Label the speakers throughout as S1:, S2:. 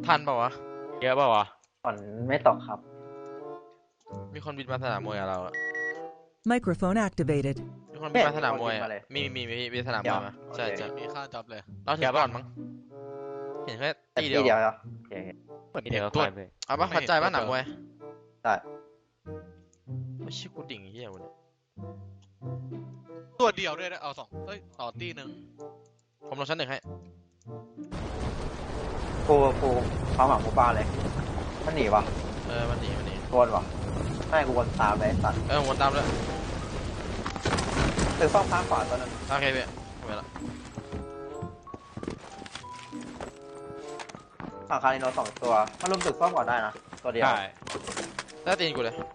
S1: ทันเปล่าวะ
S2: เยอะเปล่าวะ
S3: ฝนไม่ตกครับ
S1: มีคนบินมาสนามมวยกับเราอะ
S4: Microphone activated.
S1: มีคนบินมาสนามมวยอะมีสนามมวยมาใช่ใช่
S5: มีค่าจ็อบเลย
S1: เราถึงก่อนมั้งเห็นแค่
S3: แต่
S1: ตี
S3: ที่
S1: เดียว
S3: เดียวเหรอโอเค
S5: เหมือน
S2: เดี๋
S5: เห็
S2: ย
S5: น
S2: ว
S5: ตัว
S2: ไปเลย
S1: เอาปะเข้าใจปะหนังมวย
S3: ได้
S1: ไม่ใช่กูดิ่งเฮียกูเนี่ย
S5: ตัวเดียวด้วยนะเอาสองเอ้ยต่อตีหนึ่ง
S1: ผมลงชั้นหนึ่งให้
S3: กูความหวังกูบ้าเลยมันหนีวะ
S1: มันหนี
S3: วนวะไม่กูวนตามเลยสัตว์
S1: วนตามด้วย
S3: ตึกฟ้องข้างขวาตัวนึง
S1: โอเคพี่ทำไมล่ะ
S3: ฝั่งคาริโน2 ตัวมันรุมตึกฟ้องก่อนได้นะตัวเดียว
S2: ใช่
S1: หน้าตีนกูเลย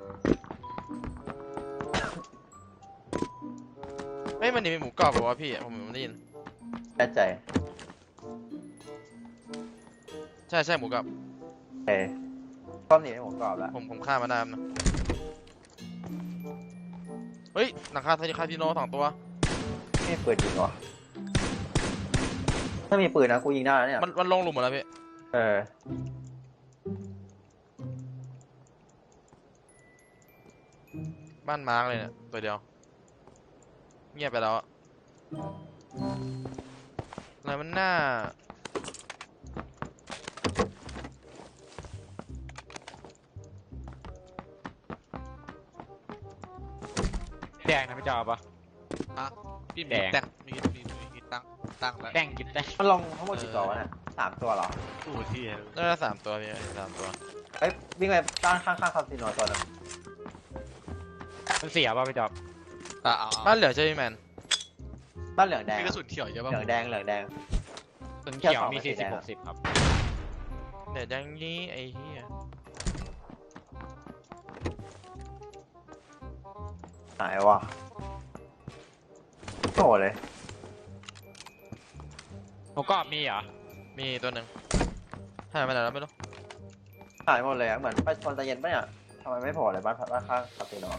S1: ไม่มันหนีเป็นหมูกรอบป่าวะพี่ผมได้ยิน
S3: แน่ใจ
S1: ใช่หมูกรอบ
S3: โอเคฟ้องหนีให้ผมกรอบแล้ว
S1: ผมฆ่ามาได้นะเฮ้ยหนังคาคาทิโน2 ตัว
S3: ไม่มีปืนยิงวะถ้ามีปืนนะกูยิงได้แล้วเนี่ย
S1: มันลงหลุมหมดแล้วพี่ บ้านมาร์กเลยเนี่ยตัวเดียวเงียบไปแล้วอะอะไรมันน่า
S2: แดงนะพี่จอปะ
S5: พี่
S2: แด
S5: มี
S2: ง
S5: แต่งมีตั้งแล้ว
S2: แดงกินแดง
S3: มันลงทั้งหมดกี่ตัววะเนี่ย3 ตัวเหรอ
S5: ตู้ที่
S1: น่าจะ3 ตัวพี่3 ตัว
S3: เอ้ยวิ่งไปด้านข้างคาสิโนตัวนึง
S2: มันเสียป่ะพี่จอ
S5: เอา
S1: บ้านเหลือใช่ไหมแมน
S3: บ้านเหลืองแดง
S5: มีกระสุนเขียวเยอะป่ะ
S3: เหลืองแดง
S2: ส่วนเขียวมี
S3: แค่สอง
S2: 40 60ครับ
S1: เดี๋ยวยังงี้ไอ้เหี้ย
S3: หายวะโง่เลย
S2: หมูกรอบมีเหรอ
S1: มีตัวหนึ่งหายไปไหนแล้วไม่รู้
S3: หายหมดเลยอะเหมือนไปชนตะเย็นปะเนี่ยทำไมไม่โผล่เลยบ้านข้างคาสิโน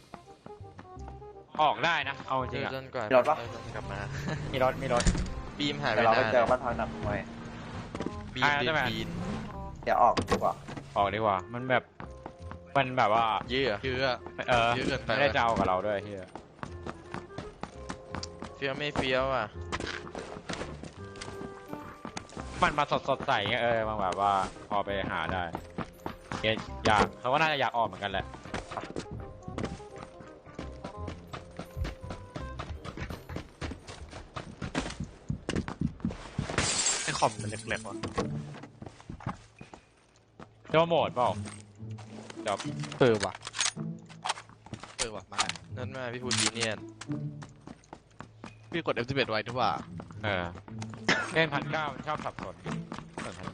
S2: ออกได้นะเอาจ
S1: เจ
S2: ริง
S1: อ
S2: อะ
S1: จนกว่า
S3: มีรถปะ
S1: กลับมา
S2: มีรถ
S1: บีมหายไป
S3: เดี๋ยวเราไป
S1: นาน
S3: เจอบ้านพักหนักมวย
S1: บี
S2: อ่า
S1: ม
S2: ได้ไหม
S1: บีน
S3: เดี๋ยวออกดีกว่า
S2: ออกดีกว่ามันแบบว่า
S1: ยื้อ
S5: เยอะ เยอะเกินไป
S2: ไม่ได้จะเอากับเราด้วยเฮีย
S1: เฟี้ยวไม่เฟี้ยวอ่ะ
S2: มันมาสดใสเงี้ยมันแบบว่าพอไปหาได้อยากเขาก็น่าจะอยากออกเหมือนกันแหละ
S5: ไอคอมมันเล็กๆว่ะ
S2: เจ้าโหมดเปล่าจอบ
S5: ว่ะมา
S1: นั่นมาพี่พูดจีเนียน
S5: พี่กด F11 ไว้ด้วยว่า
S2: เล่น1,900มันชอบสับสนส่วน1,700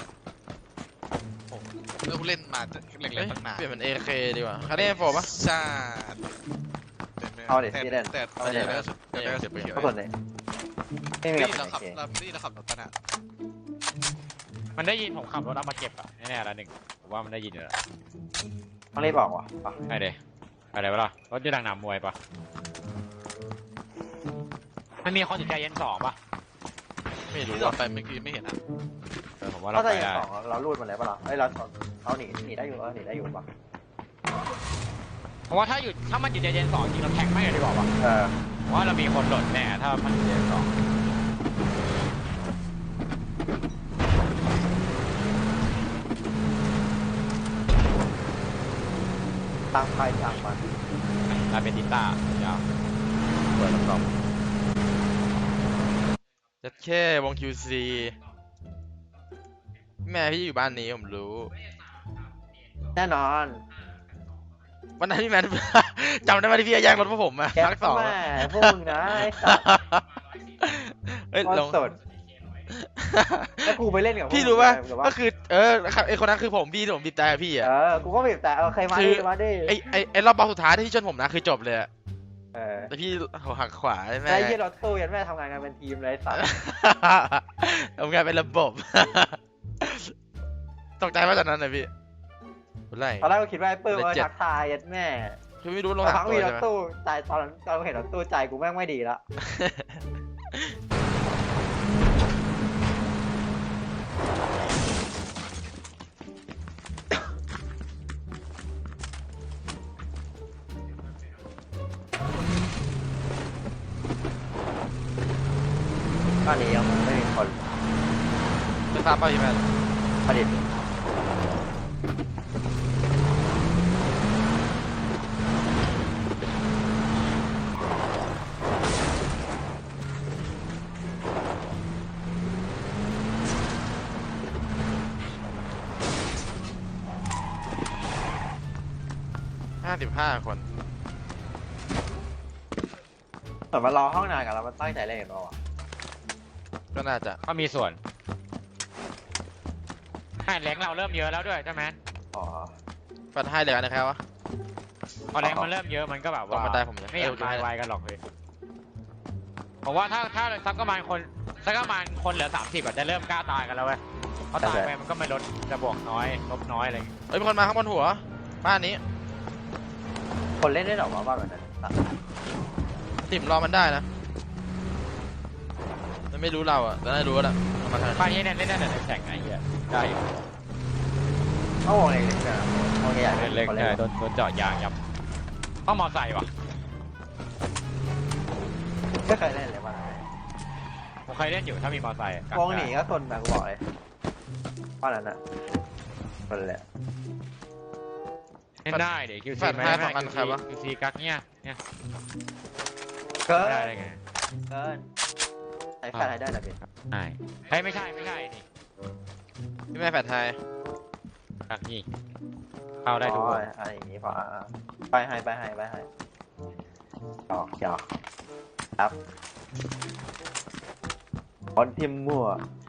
S5: เมื่อกูเล่นมาเล็กๆตั้งนาน
S1: เปลี่ยนเป็น AK ดีกว่าคาร์เดนโฟปะ
S5: ใช่
S3: เอาดิพี่เล่น
S5: แต่
S3: เอาดิ
S5: ได้กระสุนได้กระสุนเขียว
S3: ก็ส่วนเลยไม่มี
S5: นี่
S3: กระ
S5: เรา
S3: สุน
S5: ขับ
S3: โอเค
S5: เราขับรถกันอ่ะ
S2: มันได้ยินผมขับรถเอามาเก็บอะแน่ๆละ1ผมว่ามันได้ยินอยู่แล้ว
S3: ต้องรีบออกว่ะไป
S2: ไอเดอะไรวะล่ะรถจะดังหนามวยปะมันมีคนติดใจเย็น2ปะ
S1: ไม่รู้
S5: ที่เรา
S1: ว่า
S5: ไปเมื่อกี้ไม่เห็นอ่ะ
S2: ผมว่า
S3: ถ้า
S2: เรา
S3: จะ
S2: ไป
S3: ยิง
S2: ได้
S3: 2เราลูดมันเลยปะล่ะเอ้ยเราเขาหนีได้อยู่หนีได้อยู่ปะ
S2: เพราะว่าถ้ามันอยู่ใจเย็น2จริงเราแทงไม่เลยดีกว่าวะ
S3: อ
S2: เพราะว่าเรามีคนหล่นแน่ถ้ามันอยู่ใจเย็น2
S3: ตั้งไฟตั้งมัน
S2: ลาเปติต้ายาว
S3: เปิดลำกล่อง
S1: จัดแค่วง QC แม่พี่อยู่บ้านนี้ผมรู้
S3: แน่นอน
S1: วันนั้นพี่แมน จำได้ไหมที่พี่แย่งรถพวกผมอะ
S3: แก๊
S1: ภาค 2
S3: แม่พวกมึงนะไอ้สัตว์
S1: เฮ้ย
S3: ก้อน
S1: ลง
S3: สดแล้วกูไปเล่นกับพวก
S1: พี่รู้ป่ะ
S3: มึง
S1: ก็คือไอคนนั้นคือผมพี่ที่ผมบีบแต่พี่อะ
S3: กูก็บีบแต่เคยมา
S1: คื
S3: ดิ
S1: อ
S3: มาดิ
S1: ไอรอบบอลสุดท้ายที่ชนผมนะคือจบเลยอะ แต่พี่หักขวาใช่ไหม
S3: ไอ้ยี่รถตู้ยันแม่ทำงานกันเป็นทีมเลยสัตว์
S1: ทำงานเป็นระบบ ตกใจว่าตอนนั้นนะพี่ไร
S3: ตอนแรกก็คิดว่าไอ้เปิ้ลมาทักทายยันแม่
S1: คือไม่รู้ลง
S3: แต่
S1: สา
S3: พั
S1: ม
S3: ง
S1: ตัว
S3: มีร
S1: ใช่
S3: ถ
S1: ไหม
S3: ตู้ใจตอนเราเห็นรถตู้ใจกูแม่งไม่ดีละบ้านนี้ยังไม่มีคน
S1: ไฟฟ้าเปล่าพี่แมน
S3: ผลิต
S1: 55 คน
S3: เหมือนมารอห้องนานกันแล้วมันตั้งใจเล่นเราอ่ะ
S1: ก็น่าจะ
S2: ก็มีส่วนแรงเราเริ่มเยอะแล้วด้วยใช่ไหม
S3: อ๋อ
S1: ปัดให้เหลือนะครับวะ
S2: พอแรงมันเริ่มเยอะมันก็แบบ
S1: ตรง
S2: ว่า
S1: บันไดผมยัง
S2: ไม่อยากตายไวกันหรอกเลยผมว่าถ้าสักประมาณคนเหลือ30อาจจะเริ่มกล้าตายกันแล้วเว้ยเพราะตายไปมันก็ไม่ลดจะบวกน้อยลบน้อยอะไรอย่างเงี้ย
S1: เฮ้ยมีคนมาข้างบนหัว บ้านนี้
S3: คนเล่นได้หรอวะบ้านแบบนั้น
S1: ติ่มรอมันได้นะ มันไม่รู้เราอ่ะแต่น่ารู้แล้วมันมาทาง
S2: บ้านนี้เนี่ยเล่นได้แต่ในแข่งไงเหี้ยได้อยู่
S3: เขาวงเล็กๆนะวงใหญ่ๆ
S2: เล็ก
S3: คน
S2: ๆ
S3: เล่น
S2: โดนเจาะยางยับต้องมอไซค์ว่ะ
S3: ไม่เคยเล่นเลยบ้าน
S2: ผมเคยเล่นอยู่ถ้ามีมอไซค์อะ
S3: วงหนีก็ทนนะกูบอกเลยบ้านนั้นอ่ะคนเลย
S2: เล่นได้เดี๋ยวคิว
S1: แฟ
S2: ซี
S1: ดให้2 อันใครวะ
S2: คิวซีกักเนี่ย
S3: เกิน
S2: ได้เลยไง
S3: เกินใช้แฟนให้ได้นะพี่
S2: ใช่เฮ้ยไม่ใช่นี่
S1: พี่แม่แฟดไทย
S2: กักนี่เข้าได้ทุกคน
S3: อะไรอย่างงี้พอไปให้หยอกครับคนทีมมั่ว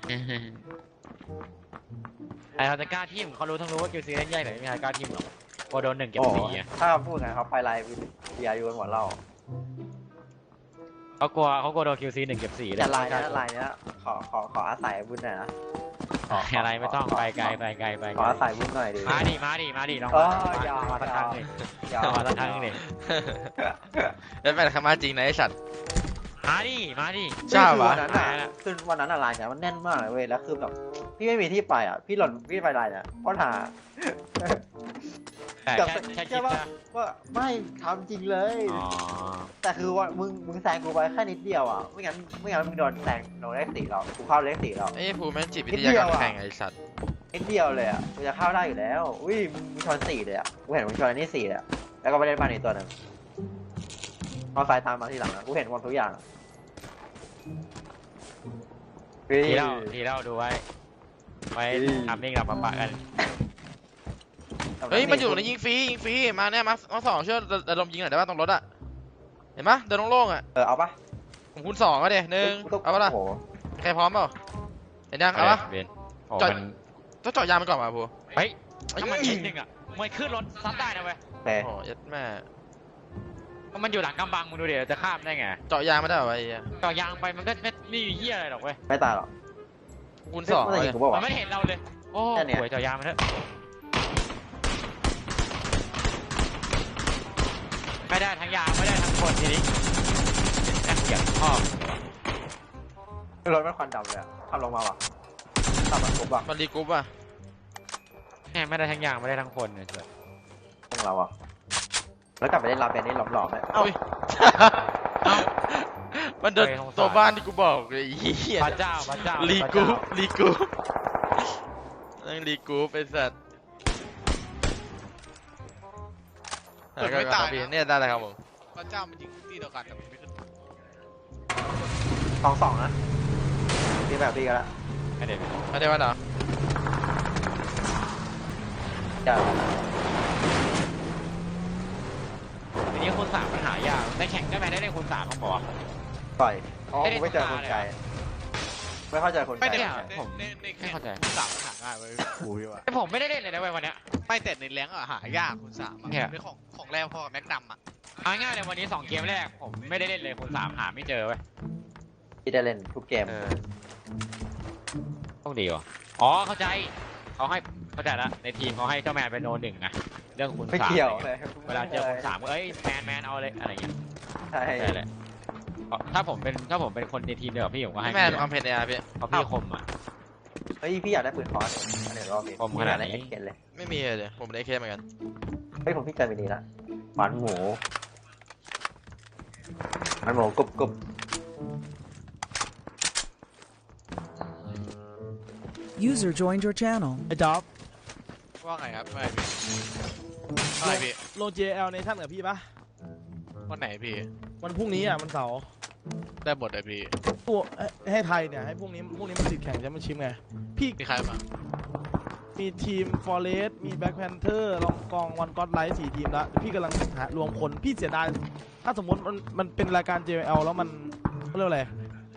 S2: ไอ้เขาจะกล้าทีมเขารู้ทั้งรู้ว่าคิวซีเล่นใหญ่แต่ไม่มีใครกล้าทีมหรอกพอโดน1 เก็บ 4อ่ะ
S3: ถ้าเขาพูดไงเขาไปไลน์วิทยาอยู่กันหมดเรา
S2: เขากลัวโดนคิวซี1 เก็บ 4เลย
S3: แต่ไลน์นี้ขออาศัยบุญหน่อยนะ
S2: อะไรไม่ต้องไปไกล
S3: ขออาศัยบุญหน่อยดิ
S2: มาดิลอง
S3: อย่า
S2: มาสักครั้งหนึ่ง
S3: อย่า
S2: มาสักครั้งหนึ่ง
S1: แล้วแฟดเข้ามาจริงนะไอ้สัตว์
S2: มาดิ
S1: ใช่ปะ
S3: คือวันนั้นไลน์เนี่ยมันแน่นมากเลยเว้ยแล้วคือแบบพี่ไม่มีที่ไปอ่ะพี่ไปไลน์เนี่ยเพราะหา
S2: แต่แค่คิดนะ
S3: ว่าไม่ทำจริงเลย
S2: อ๋อ
S3: แต่คือว่ามึงแซงกูไปแค่นิดเดียวอ่ะไม่งั้นมึงโดนแซงโดนเลข4เรากูเข้าเลข4เรา
S1: ไอ้ภูมิแม่งจิตวิทยาการแข่งไอ้สัตว์
S3: นิดเดียวเลยอ่ะกูจะเข้าได้อยู่แล้วอุ้ยมึงชน4เลยอ่ะกูเห็นมึงชนอันนี้4เลยอ่ะแล้วก็ไปเล่นบ้านอีกตัวหนึ่งเอาสายตามมาทีหลังนะกูเห็นหมดทุกอย่าง
S2: ทีเล่าดูไว้ทำนิ่งหลับปะกัน
S1: เฮ้ยมันอยู่ในยิงฟรีมาเนี่ยมา2ช่วยระดมยิงหน่อยได้ป่ะตรงรถอะเห็นปะเดินโล่งๆอะ
S3: เอาปะ
S1: ผมคูณ 2ก็เดี๋ยว1เอาปะล่ะ
S3: โอ้โห
S1: ใครพร้อมเปล่าเห็นยังเอาปะ
S2: เบนโอ้
S1: จอด
S2: มัน
S1: ต้องเจาะยางมันก่อนมาภู
S2: เฮ้ยถ้ามันนิดนึงอ่ะมันขึ้นรถซัดได้นะเว้ย
S3: โอเค
S1: โอ้ยัดแม่
S2: มันอยู่หลังกำบังมึงดูเดี๋ยวจะข้ามได้ไง
S1: เจาะยางไม่ได้เหรอไอ้เหี้ย
S2: ต่อยางไปมันก็ไม่มีเหี้ยอะไรหรอกเว้ย
S3: ไม่ตายหรอก
S1: คูณ
S3: 2
S1: 2เลย
S3: กูบอก
S2: มัน
S3: ว่า
S2: ไม่เห็นเราเลยโอ้
S3: แค่เนี้ย
S2: หวยต่อยางมันเถอะไม่ได้ทั้งยางไม่ได้ทั้งคนทีนี้แอบเกียบพ่อ
S3: รถมันควันดำเลยขับลงมาว่ะขับมันปุ๊บอ่ะ
S1: มันรีกรุ๊ปอะ
S2: แม่ไม่ได้ทั้งยางไม่ได้ทั้งคนเนี่ย
S3: พวกเราอ่ะแล้วกลับไปเล่นลาเป็นนี่หลอมๆเลย
S1: เอ้ามันเดินตัวบ้านที่กูบอกเลยไอ้เหี้ย
S2: พระเจ้า
S1: รีกรุ๊ปนั่งรีกรุ๊ปไอ้สัตว์เนี่ยได้เลยครับผม
S5: พระเจ้ามันยิงที่เดียวกันแต่มันไม่ขึ้น
S3: 2-2นะพี่แบบพี่กันละ
S2: ไม่ได้
S1: ไม่ได้ว่าเหรอ
S3: จะ
S2: ทีนี้คูณ 3มันหายากในแข่งได้ไหมได้คูณ 3ของผม
S3: ต่อยอ๋อไม่เจอคนไกลไม่เข้าใจคนไกล
S5: ไม่ได้
S2: ผม
S5: ใน
S2: ไม่เข้าใจ
S5: คุณสามหาง่ายเว้ยกูพี่ว่า
S2: แต่ผมไม่ได้เล่นเลยนะเว้ยวันเนี้ย
S5: ไม่แต่ในแรงอะหายากคุณสามอะ
S2: เนี่ย
S5: เป็นของแรงพอกับแม็กนัมอะ
S2: เอาง่ายๆเลยวันนี้2 เกมแรกผมไม่ได้เล่นเลยคูณ 3หาไม่เจอเว้ย
S3: พี่ได้เล่นทุกเกม
S2: ต้องดีวะอ๋อเข้าใจเขาให้เข้าใจละในทีมเขาให้เจ้าแมนเป็นโน 1นะเรื่องคูณ
S3: ไม่
S2: 3
S3: เกี่ยวเลย
S2: เวลาเจอคูณ 3ก็เอ้ยแมนเอาเลยอะไรอย่างเงี้ย
S3: ใช่
S2: ใช่เลยถ้าผมเป็นคนในทีมเดียวกับพี่ผมก็ให้
S1: แม่
S2: พี่
S1: ความเผ็ดเนี่ยพี่
S2: เพราะพี่คมอ่ะ
S3: เฮ้ยพี่อยากได้ปืนคอร์สอันนี้รอบนี้
S2: ผมขนาดไหน
S3: เห็นเลย
S1: ไม่มีเลยผมได้เคเหมือนกัน
S3: เฮ้ยผมพี่เจอไปนี้ละหวานหมูกรุบ
S4: User joined your channel.
S6: ไอ้จ๊อบ
S5: ว่าไงครับไม่พี่อะไรพี่
S6: ลง JL ในท่านกับพี่ปะ
S5: วันไหนพี่
S6: วันพรุ่งนี้อ่ะมันเสาร์
S5: ได้หมดเลยพี่
S6: ตัวให้ไทยเนี่ยให้พรุ่งนี้มันติดแข่งแชมเปี้ยนชิพไงพี่
S5: มีใครมา
S6: มีทีม Forest มี Black Panther ลองกองวันก็อดไลท์4ทีมละพี่กำลังหารวมคนพี่เสียดายถ้าสมมติมันเป็นรายการ JL แล้วมันเขาเรียกอะไร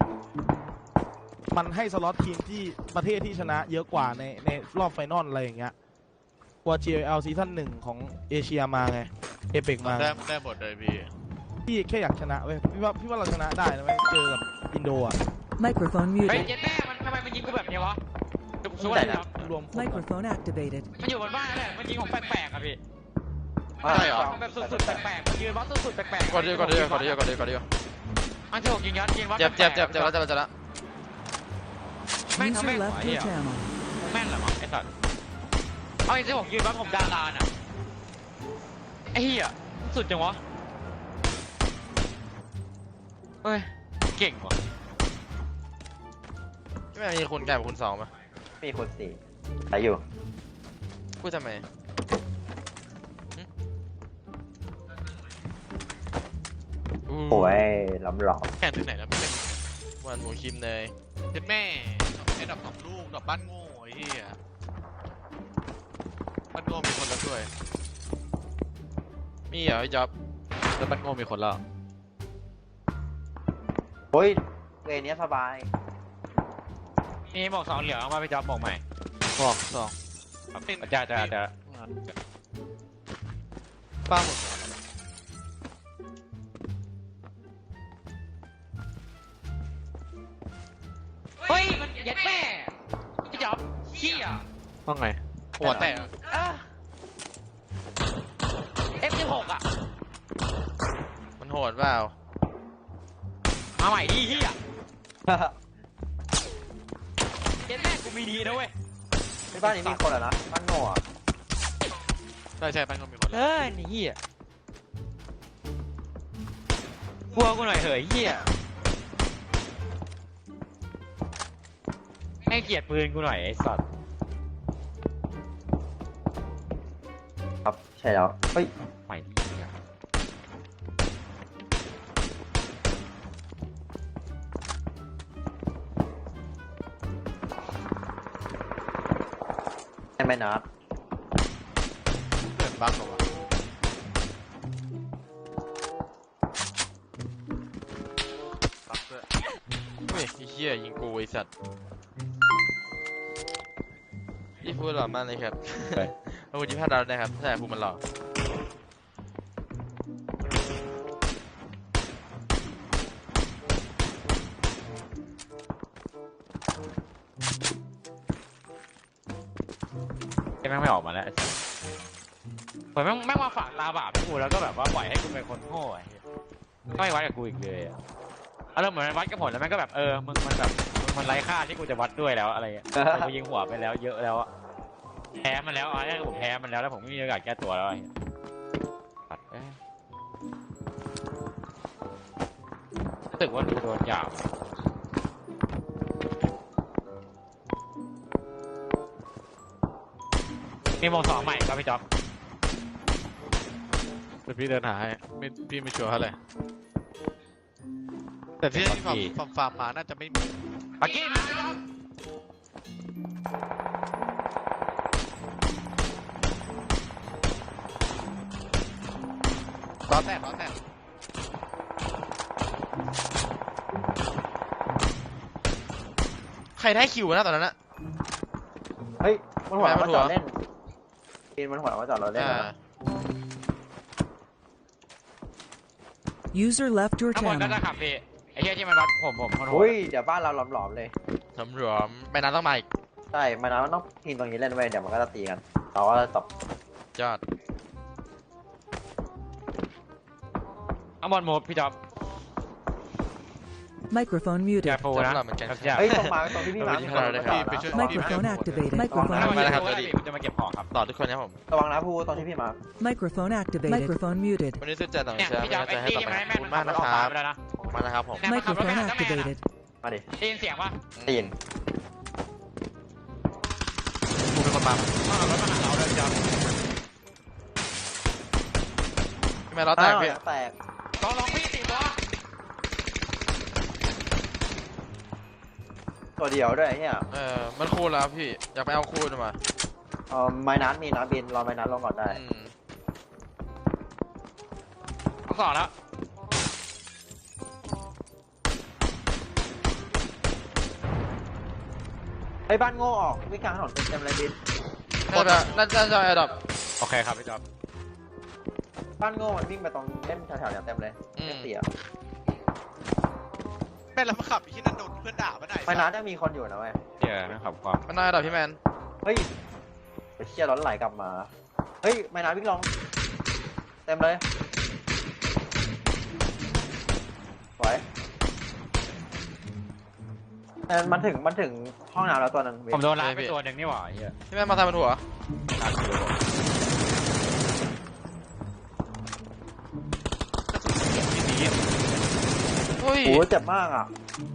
S6: มันให้สล็อตทีมที่ประเทศที่ชนะเยอะกว่าในรอบไฟนอลอะไรอย่างเงี้ยกว่า JL ซีซั่น1ของเอเชียมาไงเอเปกมา
S5: ได้หมดเลยพี่
S6: พี่แค่อยากชนะเว้ยพี่ว่าเราชนะได้นะเว้ยเจอกับอินโดอ่ะ
S4: Microphone
S2: เฮ้ย
S4: muted.
S2: เจ็ดแม่มันทำไมมันยิงกูแบบนี้วะจุก
S6: ไม่
S2: สู้
S6: ได้
S2: เลย
S6: นะครับ รวมคนก่อน
S4: Microphone activated.
S2: มันอยู่บนบ้านนั่นแหละมันยิงของแปลกๆอะพี่
S3: ใช่เหรอ
S2: มันแบบสุดๆแปลกๆมันยืนวัดสุดๆแปลกๆ
S1: กดเดียวกดเดียวกดเดียวกดเดียวกดเดียว
S2: มันถูกยิงยัดยิงวัด
S1: เจ็บ
S2: แปลกๆ
S1: เจ็บแล้ว
S2: แม่งทำ
S4: User
S2: แม่งหัว
S4: left
S2: เหี้
S4: your
S2: ย
S4: channel.
S2: แม่นเหรอวะไอ้สัตว์เอาจริงๆผมยืนวัดผมดาราน่ะไอ้เหี้ยสุดจังวะเฮ้ยเก่งว่ะ
S1: ไม่มีคุณแก่กับคุณสองป่ะ
S3: มีคน4ใช้อยู่
S1: พูดทำไม
S3: โอ้ยล้ำหลอม
S5: แข่งที่ไหนแล้วไม่เป็น
S1: วันหมูคิมเนย
S5: เจ็ดแม่ไอ้ดอกสองลูกดอกบ้านโง่ไอ้เหี้ยบ้านโง่มีคนแล้วด้วย
S1: มีเหรอไอ้จ๊อบ
S5: แล้วบ้านโง่มีคนแล้ว
S3: เฮ้ยเวรเนี้ยสบาย
S2: มีหมวกสองเหลืองเอามาไปจอบหมวกใหม่
S5: บอกสอง
S2: จะ
S5: ป้าหมด
S2: เฮ้ยมันยัดแม่พี่จอบเหี้ย
S5: ว่าไงหัวแตก
S2: F16 อ่ะ
S1: มันโหดเปล่า
S2: มาใหม่ดิเหี้ยยัดแม่กูมีดีนะเว้ย
S3: ในบ้านนี้มีคนเหรอนะบ้านโง่อะ
S5: ใช่บ้านโง่มีคนแล้ว
S2: นี่เหี้ยกลัวกูหน่อยเหยเหี้ยให้เกียรติปืนกูหน่อยไอ้สัตว์
S3: ครับใช่แล้วเฮ้ย
S2: ใหม่ดิเหี้ย
S3: ใช่ไหมนัด
S5: เกิดบ้างเหรอวะ ปักด้วย
S1: เฮ้ยไอ้เหี้ยยิงกูไอ้สัตว์พี่พูดหล่อมากเลยครับขอบคุณที่พาดาวนะครับใช่พูดมันหล่อ
S2: แม่งไม่ออกมาแล้วเหมือนแม่งมาฝากตาบาปให้กูแล้วก็แบบว่าปล่อยให้กูเป็นคนโง่ไอ้เหี้ยก็ไม่วัดกับกูอีกเลยอะอารมณ์เหมือนมันวัดกับผลแล้วแม่งก็แบบมึงมันแบบมันไร้ค่าที่กูจะวัดด้วยแล้วอะไรเงี้ยแต่กูยิงหัวไปแล้วเยอะแล้วอะแพ้มันแล้วเนี่ยผมแพ้มันแล้วผมไม่มีโอกาสแก้ตัวแล้วไอ้เหี้ยปัดรู้สึกว่ากูโดนหยาบมีโมงสองใหม่ครับพี่จ๊อบ
S5: เดี๋ยวพี่เดินหาให้พี่ไม่ชัวร์เท่าไหร่แต่ที่ฟาร์มมาน่าจะไม่มี
S2: ปักกี้มาพี่จ๊อบ
S5: ล้อแตก
S1: ใครได้คิวนะตอนนั้นอะ
S3: เฮ้ยมันหัวเราะ
S1: ไม่
S3: ว่า
S1: มันหั
S3: จ
S1: ว
S3: อดเล่นปีนมันหัวเราะว่าจอดเราเล่น
S1: อ่า
S3: นะ
S4: User left your
S2: ข้างบนก็
S4: channel.
S2: จะขับพี่ไอ้เหี้ยที่มันวัดผมคนโห
S3: อุ้
S2: ด
S3: ยเดี๋ยวบ้านเราหลอมๆเลย
S1: สำรวมไปน้ำต้องมาอีก
S3: ใช่มานะมันต้องทีมตรงนี้เล่นไว้เดี๋ยวมันก็จะตีกันเราก็จะตบ
S1: ยอด
S2: ข้างบนโมดพี่จ๊อบ
S4: Microphone
S2: อย่า
S4: muted.
S2: โฟนะ
S1: จำเราเหมือนกัน
S2: อย่า
S3: เฮ้ยตรงมาตรงที่พี่มา
S1: เออ
S3: ตรง
S1: ไปช่วย
S3: นะ
S4: Microphone activated.
S2: ไม่
S4: Microphone
S2: ไม่
S4: muted.
S2: นะครับจะมาเก็บของครับ
S1: ต่อทุกคนนะครับผม
S3: ระวังนะพูตรงที่พี่มา
S4: Microphone activated. Microphone muted.
S1: วันนี้สุดใจต่าง
S2: เนี่ย
S1: เชื้อ
S2: พี่
S1: ไม่
S2: จ๊อบ
S1: น่า
S2: ไอ้
S1: จะให้
S2: ที่
S1: ต่อ
S2: ที่
S1: ไป
S2: มัน
S1: ขอบ
S2: ให้
S1: คุณ
S2: แม่
S1: มาก
S2: มัน
S1: นะ
S2: อ
S1: ค
S2: อก
S1: รับ
S2: มาไปแล้วนะ
S1: ขอบคุณมากนะครับผม
S4: Microphone activated.
S3: มาดิ
S2: ได้ยินเสียงปะ
S3: ได้ยิน
S2: ไ
S5: มา
S2: ต้องเอารถมาหาเราเลยจอม
S1: พี่แมนล้อแตกพี่
S3: แตก
S2: ลองพี่4 ตัว
S3: ตัวเดียวด้วยไอ้เนี่ย
S1: มันคูณแล้วพี่อยากไปเอาคูณมา
S3: ไม้นัดมีนะบินรอไม้นัดลงก่อนได้
S2: ต้องสอนแล้ว
S3: ไอ้บ้านโง่ออกวิ่งกลางถนนเต็มเลยบิน
S1: น่าจะแอร์ดับ
S2: โอเคครับพี่จอม
S3: บ้านโง่มันวิ่งไปตรงเล่นแถวๆเนี่ยเต็มเลยเสีย
S5: แม่แล้วมาขับอีกที่นั่นโดนเพื่อนด่าปะไหน
S3: ไม้นัดยังมีคนอยู่นะเว้ย
S2: เดี๋ยวไม่ขับความ
S1: มันน่าแอร์ดับพี่แมน
S3: เฮ้ยไปเชี่ยร้อนไหลกลับมาเฮ้ยไม้นัดวิ่งลงเต็มเลยสวยมันถึงห้องน้ำแล้วตัวนึง
S2: ผมโดนไล่ไปตัวหนึ่งนี่หว่าเฮีย
S1: พี่แมนมาทำเป็นหัว
S2: น่าเกลียด
S1: เฮ้ย
S3: โอ้เจ็บมากอ่ะ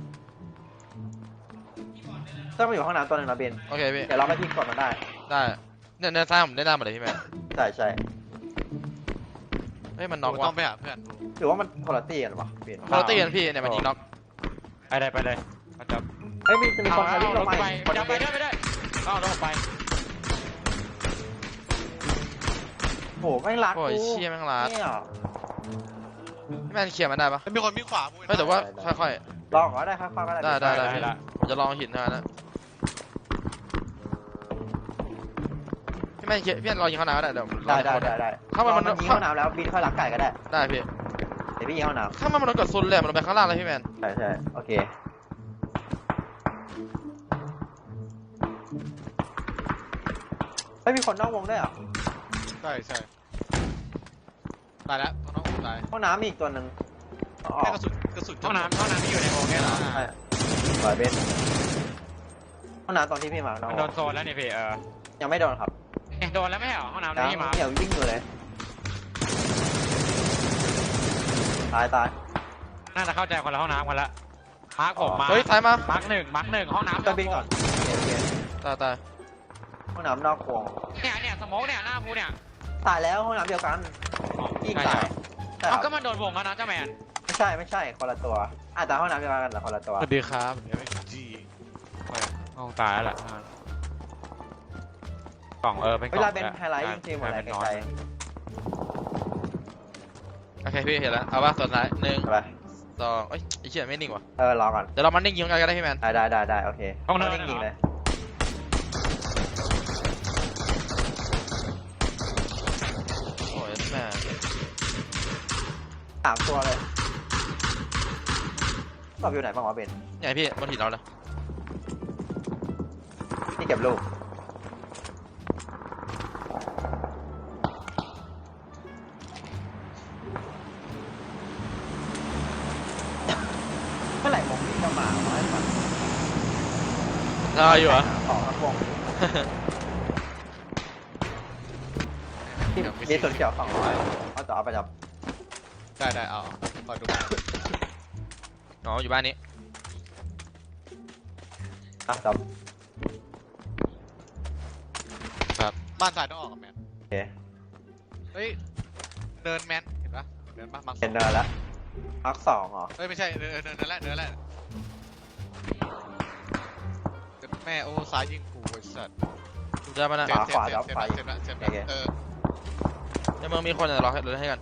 S3: ต้องมาอยู่ห้องน้ำตัวนึงนะเบน
S1: โอเคพี่
S3: เดี๋ยวเราไปทิ้งกดมันได้
S1: ได้เนี่ยซ้ายผมได้หน้าหมดเลยพี่แมน
S3: ใช่ใช่
S1: เฮ้ยมันน็อก
S5: ต้
S1: ว่ะ
S5: องไปหาเพื่อน
S3: หรือว่ามันคนละตีกันวะเบน
S1: คนละตีกันพี่เนี่ยมันยิงน็อก
S2: ไปเลยมาจอม
S3: เฮ้ยมีจะมีคนวิ่งลง
S2: ไป
S3: ไปคน
S2: จะไป
S3: เบน
S2: ได้เอารถไป
S3: โอ้ไม่รัก
S1: โอ้ยเชี่ยแม่งลาด
S3: เนี่ย
S1: พี่แมนเคลียร์มันได้ปะ
S5: มีคนวิ่งขวามึง
S1: เฮ้ยแต่ว่าค่อย
S3: ลองก็ได้ครับก็ได้
S1: ได้
S2: ได้ละ
S1: ๆผมจะลองหินเท่านั้นนะพี่แมนเคลียร์พี่แมนรอยิงเข้าน้ำก็ได้เดี๋ยวผมรอ
S3: ได้
S1: เข้ามามัน
S3: ยิงห้องน้ำแล้วบินค่อยรักไก่ก็ได้
S1: ได้พี่
S3: เดี๋ยวพี่ยิงห้องน้
S1: ถ้ามันโดนกดซุนเลยมันลงไปข้างล่างเลยพี่แมน
S3: ำใช่โอเคไม่มีคนนอกวงด้วยอ่ะ
S5: ใช่ตายแล้วต้องตาย
S3: ห้องน้ำมีอีกตัวหนึ่งออ
S5: แค่
S3: ก
S5: กระสุน
S2: ห้องน้ำที่อยู่ในโอ่งเนี่ยเหรอ
S3: ใช่ปล่อยเบนห้องน้ำตอนที่พี่มาน้อง
S2: โดนโซนแล้วนี่พี่
S3: ยังไม่โดนครับ
S2: โดนแล้วไม่เหรอห้องน้ำ
S3: ยัง
S2: ที่มา
S3: เดี๋ยววิ่งอยู่เลยตาย
S2: น่าจะเข้าใจคนละห้องน้ำกันละมาร์คผมมา
S1: เฮ้ยซ้ายมา
S2: มาร์คหนึ่งห้องน้ำ
S3: ก็บินก่อนโอเค
S1: ตาย
S3: ห้องน้ำนอกวง
S2: เนี่ยสโมกเนี่ยหน้าพูเนี่ย
S3: ตายแล้วห้องน้ำเดียวกันยิงตายใช่
S2: เอาก็มันโดนวงแล้วนะเจ้าแมน
S3: ไม่ใช่คนละตัวแต่ห้องน้ำเดียวกันแต่คนละตัว
S5: สวัสดีครับเดี๋ยวไม่จี
S2: ห้องตายแล้วแหละกล่องเป็น
S3: เวลาเป็นไฮไลท์ยิงทีมหมดเลยไกล
S1: โอเคพี่เห็นแล้วเอาป่ะส่วนท้าย1
S3: ๆไป
S1: 2เอ้ยไอ้เชี่ยไม่นิ่งว่ะ
S3: รอก่อน
S1: เดี๋ยวเรามันนิ่งยิงกันก็ได้พี่แมน
S3: ได้โอเค
S2: ห้องน้ำ
S3: ยิงเลย
S1: โอ้ยแม่
S3: 3 ตัวเลยตอบอยู่ไหนบ้างวะเบน
S1: ใหญ่พี่บนหินเราเลย
S3: ที่เก็บลูกเมื่อไหร่วงนี้จะมาวะไอ้สัส
S1: รออยู่เหรอ
S3: ของทั้งวงมีส่วนเกี่ยว200เอาต่อเอาไปจับ
S5: ได้เอาคอยดู
S1: อ๋ออยู่บ้านนี้
S3: จับ
S5: ครับบ้านซ้ายต้องออกกับแมน
S3: โอเค
S5: เฮ้ยเดินแมนเห็นปะเดินปะมัง
S3: เห็นเนินแล้วพัก2เหรอ
S5: เฮ้ยไม่ใช่เดินแล้วแม่โอ้ซ้ายยิงกูไอ้สัตว์
S1: เจอมันนะ
S5: เจ็บแล้ว
S1: ในเมืองมีคนจะรอให้เราให้กัน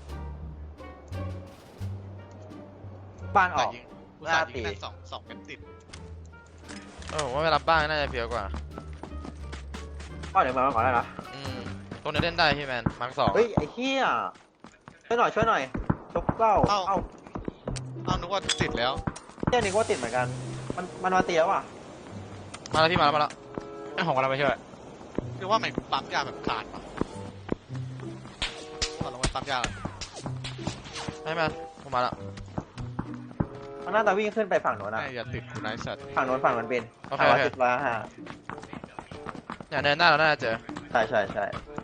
S3: บ้านออก
S5: ยิงกูสายิงนั่นสองเป็นติด
S1: ผมว่าไปรับบ้านน่าจะเพียวกว่า
S3: ก็เดี๋ยวมาก่อนได้นะ
S1: ตรงนี้เล่นได้พี่แมนมาร์ค2
S3: เฮ้ยไอ้เหี้ยช่วยหน่อยชุบเล่าเอ้า
S5: นึกว่าติดแล้ว
S3: เจ้านี่ก็ติดเหมือนกันมันมาเตียวอ่ะ
S1: มาแล้วพี่มาแล้ว
S2: ไอ้ของเราไปช่วย
S5: คือว่ามันปั๊มยาแบบขาดปะตอนลงไปปั๊มยา
S1: ให้แมนผมมาแล้ว
S3: มันน่าจะวิ่งขึ้นไปฝั่งโน้นนะ
S5: แม่อย่าติดกูนายสัตว์
S3: ฝั่งโน้นเป็น
S1: โอเค
S3: 110 105
S1: เนี่ยเนินหน้าเราน่าจะเจอ
S3: ใช่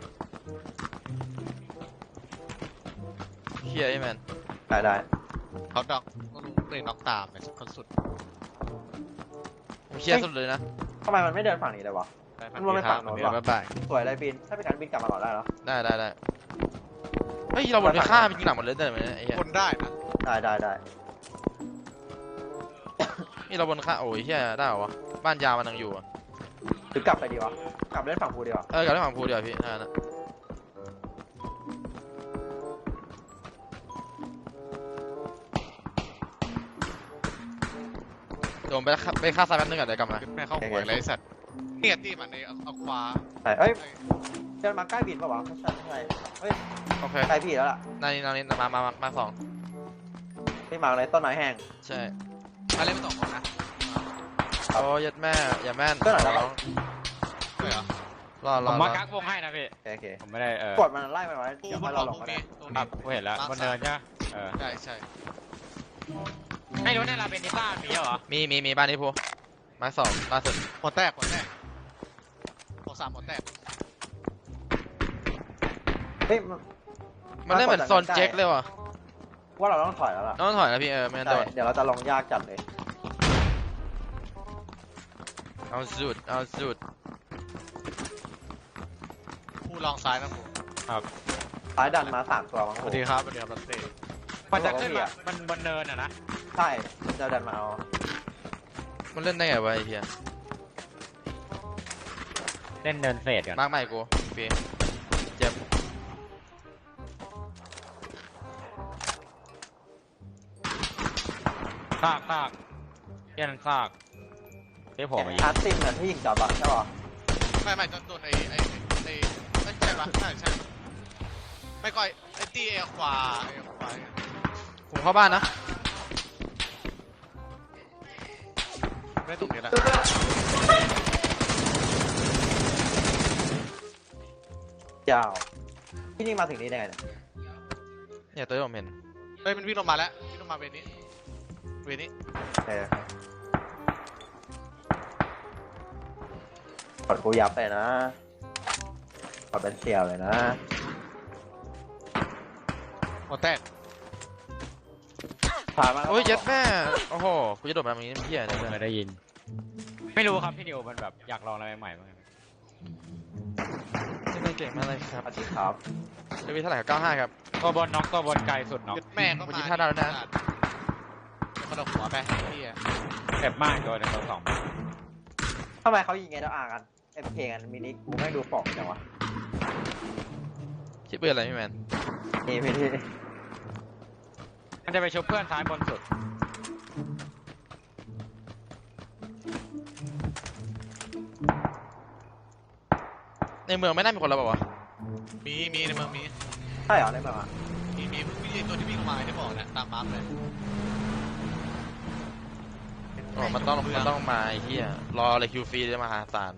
S1: เฮียพี่แมน
S3: ได้
S5: เขาดอกเลยน็อกตามเนี่ยคนสุด
S1: ผมเชียร์สุดเลยนะ
S3: ทำไมมันไม่เดินฝั่งนี้เลยวะมันวนไปฝั่งโน้น
S1: เดี๋ยว
S3: ว่ะ
S1: บ๊ายบาย
S3: สวยเลยบินถ้าเป็นการบินกลับมาก่อนได้เหรอ
S1: ได้เฮ้ยเราวนไปฆ่ามันยิงหลังหมดเลยได้ไหมไอ้เหี้ย
S5: คนได้นะ
S3: ได้
S1: นี่เราวนฆ่าโอ้ยเหี้ยได้เหรอวะบ้านยาวมันยังอยู่อะ
S3: หรือกลับไปดีวะกลับเล่นฝั่งภูดีวะ
S1: กลับไปฝั่งภูเดียวพี่นะเดี๋ยวผมไปฆ่าซ้ายแป๊บนึงก่อนเดี๋ยวกลับมา
S5: แม่เข้าหัวเลยไอ้สัตว์เนี่ยตีมันในเอาขวา
S3: ใช่เอ้ยเดินมาใกล้บินป่าวะไม่ใช่เฮ้ย
S1: โอเค
S3: ใกล้พี่แล้วล่ะ
S1: นี่มาสอง
S3: พี่มาอะไรต้นไม้แห้ง
S1: ใช่
S5: มาเล่นไป2 คนนะ
S1: โอ้ยัดแม่อย่าแม่น
S3: ก็หน่อยแล้ว
S5: ด้วยเหรอ
S2: ผมมากักวงให้นะพี่
S3: โอเค
S2: ผมไม่ได้
S3: กดมันไล่มันไว้
S5: ปู
S3: เดี๋ยว
S5: บ
S3: ให้
S5: น
S3: เรา
S5: เขา
S3: ลง
S5: พวก
S3: ก็ได้
S5: นี้ตรง
S2: ครั
S5: นี้
S2: บกูเห็นแล้วบนเนินใช่ไหม
S5: ใช่
S2: ไม่รู้ในลาเบนิต้ามีเหรอ
S1: มีบ้านนี้พูมาสองล่าสุด
S5: หัวแตกหัว3หัวแตก
S3: เฮ้ย
S1: มันได้เหมือนโซนเจ๊กเลยว่ะ
S3: ว่าเราต้องถอยแล้วล่ะ
S1: ต้องถอยนะพี่ไม่งั้นโดน
S3: เดี๋ยวเราจะลงยากจัดเลย
S1: เอาสุด
S5: ปูลองซ้ายนะปู
S3: ซ้ายดันมา3 ตัวมั้ง
S5: สวัสดีครับรัตเต้
S2: มันจะขึ้นมามันบนเนินอ่ะนะ
S3: ใช่จะดันมาเอา
S1: มันเล่นได้ไงวะไอ้เหี้ย
S2: เล่นเนินเฟดกัน
S1: มากใหม่กูพี่เจ็บ
S2: ซากเพี้ยนซากเที่ผมอีก
S3: อาร์ติมเหมือนที่ยิงจับอะใช่ป่ะ
S5: ไม่โดนไอ้ไม่ใช่ปะใช่ไม่ค่อยไอ้ตีขวา
S1: ผมเข้าบ้านนะ
S5: ไม่ตรงนี้แหละ
S3: ยาวพี่นี่มาถึงนี่ได้ไงเนี่ย
S1: เนี่ยตัวที่ผมเห็น
S5: เฮ้ยมันวิ่งลงมาแล้ววิ่งลงมาเวนี้
S3: เออ กดกูยับเลยนะกดเป็นเสี่ยวเลยนะ
S5: หัวแตก
S3: ผ่านมา
S1: โอ้ยเจ็ดแม่โอ้โหกูจะโดดมาตรงนี้เหี้ยเนี่ย
S2: ไม่ได้ยิน ไม่รู้ครับพี่นิวมันแบบอยากลองอะไรใหม่ๆบ้าง
S1: เก่งมากเลยครับ
S3: อาทิตย์ครับ
S1: เดวิดเท่าไหร่ครับ95ครับ
S2: ตัวบนน็อกตัวบนไกลสุดน็อก
S5: แม่ก็
S1: วัน
S5: มา
S1: นี้ท่าดาวแล้วนะ
S5: คนเอาหัวไปพี่อะ
S2: เจ็บมากตัวหนึ่งตัวสอง
S3: ทำไมเขายิงไงแล้วกันเอฟเคกันมินิกูไม่ดูปอกจังวะ
S1: ชิปเปืนอะไรพี่แมน
S3: นี่พี่ที่
S2: มันจะไปชุบเพื่อนซ้ายบนสุด
S1: ในเมืองไม่น่ามีคนแล้วเปล่าวะ
S5: มีในเมืองมี
S3: ใช่เหรอได้แบบว่า
S5: มีตัวที่วิ่งลงมาที่บอกนะตามมาร์คเลย
S1: โอ้มันต้องมาไอ้เหี้ยรอเลยคิวฟรีเลยมหาศาล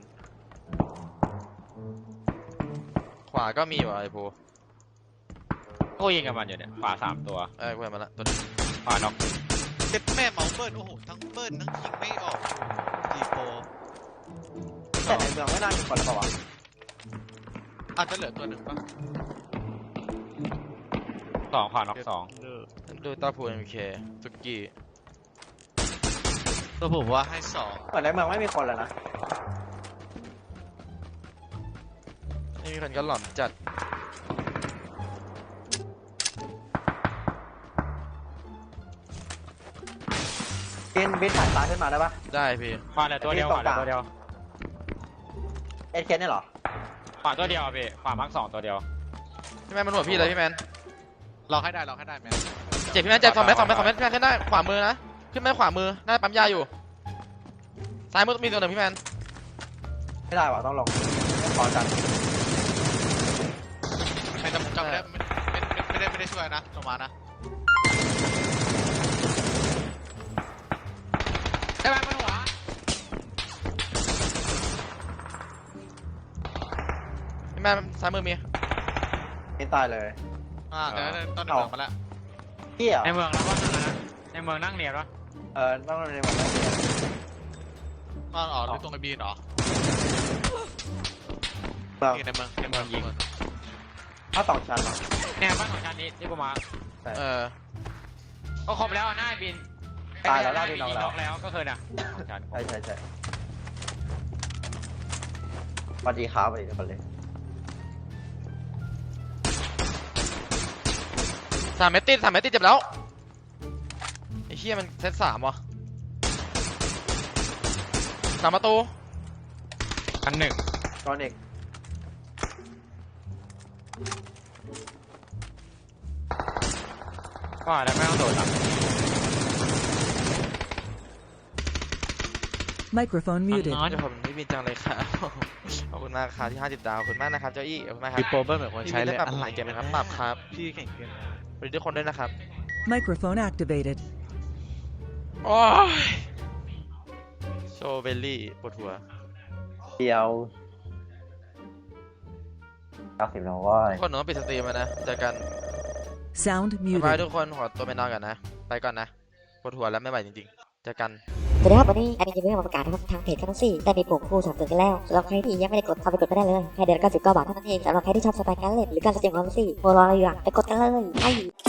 S1: ขวาก็มีว่ะไอ้โพ
S2: กูยิงกับมันอยู่เนี่ยขวา3 ตัว
S1: กูเห็นมาละตัวนึง
S2: ขวาน็อก
S5: เจ็ดแม่เมาเบิร์นโอ้โหทั้งเบิร์นทั้งยิงไม่ออกดีโป
S3: แต่ในเมืองไม่น่ามีคนแล้วเปล่าวะ
S5: อาจจะเหลือตัวหนึ่งป่ะ
S2: 2ขวาน็อก2
S1: ดูตาพูเอ็มเคสุกี้
S5: ตัวผมว่าให้2
S3: เหมือนในเมืองไม่มีคนแล้วนะ
S1: ไม่มีคนก็หล่อนจัด
S3: บินผ่านซ้ายขึ้นมาได้ปะ
S1: ได้พี่
S2: ขวาเหลือตัวเดียวขวาเหลือตัวเดียว
S3: เอสเคเนี่ยเหรอ
S2: ขวาตัวเดียวพี่ขวามาร์ค2ตัวเดียว
S1: พี่แมนมันหัวพี่เลยพี่แมน
S5: เราให้ได้แมน
S1: เจ็บพี่แมนเจ็บ2 เมตรพี่แมนขึ้นได้ขวามือนะขึ้นไปขวามือหน้าปั๊มยาอยู่ซ้ายมือมีตัวหนึ่งพี่แมน
S3: ไม่ได้วะต้องลงขอจัด
S5: ไม่จำไม่ได้ช่วยนะลงมานะ
S2: ได้ไหมบนหัว
S1: พี่แมนซ้ายมือมี
S3: ไม่ตายเลย
S5: เดี๋ยวต้นเมืองมาแล้ว
S3: เที่ย
S2: ในเมืองแล้วว่านั่นนะในเมืองนั่งเรียนวะ
S3: ต้องในเมืองไม่เที่ย
S5: ต้นอ๋อหรือตรงไอบีนเหรอ
S3: เมือง
S5: ในเมืองยิง
S3: ถ้า2 ชั้นเหรอ
S2: เนี่ยบ้านของชั้นนี้ที่กูมา ก็ครบแล้วหน้าบิน
S3: ตายแล้วหน้าบิน
S2: น็อกแล้วก็คือนะชั้น
S3: ใช่สวัสดีครับสวัสดีทุกคนเลย
S1: 3 เมตรติดเจ็บแล้วไอ้เหี้ยมันเซต3วะ3 ประตู
S2: อันหนึ่ง
S3: ก้อนเอก
S2: ก็อาจจะไม่ต้องโดดหรอก
S4: Microphone muted.
S2: น้อย
S1: เดี๋ยวผมนี่บินจังเลยครับ ขอบคุณมากครับที่50 ดาวขอบคุณมากนะครับเจ้าอี้ขอบคุณมากครับ
S2: มีโปรเบิร์เหมือนคน
S1: พี่
S2: ใช้
S1: บิน
S2: เล
S1: ได้
S2: ย
S1: ปรับ
S2: อะไร
S1: เกมไหมครับปรับครับ
S5: พี่แข่งเกิน
S1: สวัสดีทุกคนด้วยนะครับ
S4: Microphone activated.
S1: โอ้ยโชว์เบลลี่ปวดหัว
S3: เดียว90แล้วว่า
S1: ทุกคนหนูต้องปิดสตรีมแล้วนะเจอกัน
S4: Sound
S1: บ๊ายบาย
S4: muted.
S1: ทุกคนขอตัวไปนอนก่อนนะไปก่อนนะปวดหัวแล้วไม่ไหวจริงๆเจอกัน
S7: สวัสดีครับวันนี้แอดมินจะมีมาประกาศนะครับทางเพจแคทซี่ได้มีปุ่มคู่สนับสนุนกันแล้วสำหรับใครที่ยังไม่ได้กดเข้าไปกดก็ได้เลยแค่เดือน99 บาทเท่านั้นเองสำหรับใครที่ชอบสไตล์การเล่นหรือการแสดงความรู้สึกโมรออะไรอยู่อะไปกดกันเลยไป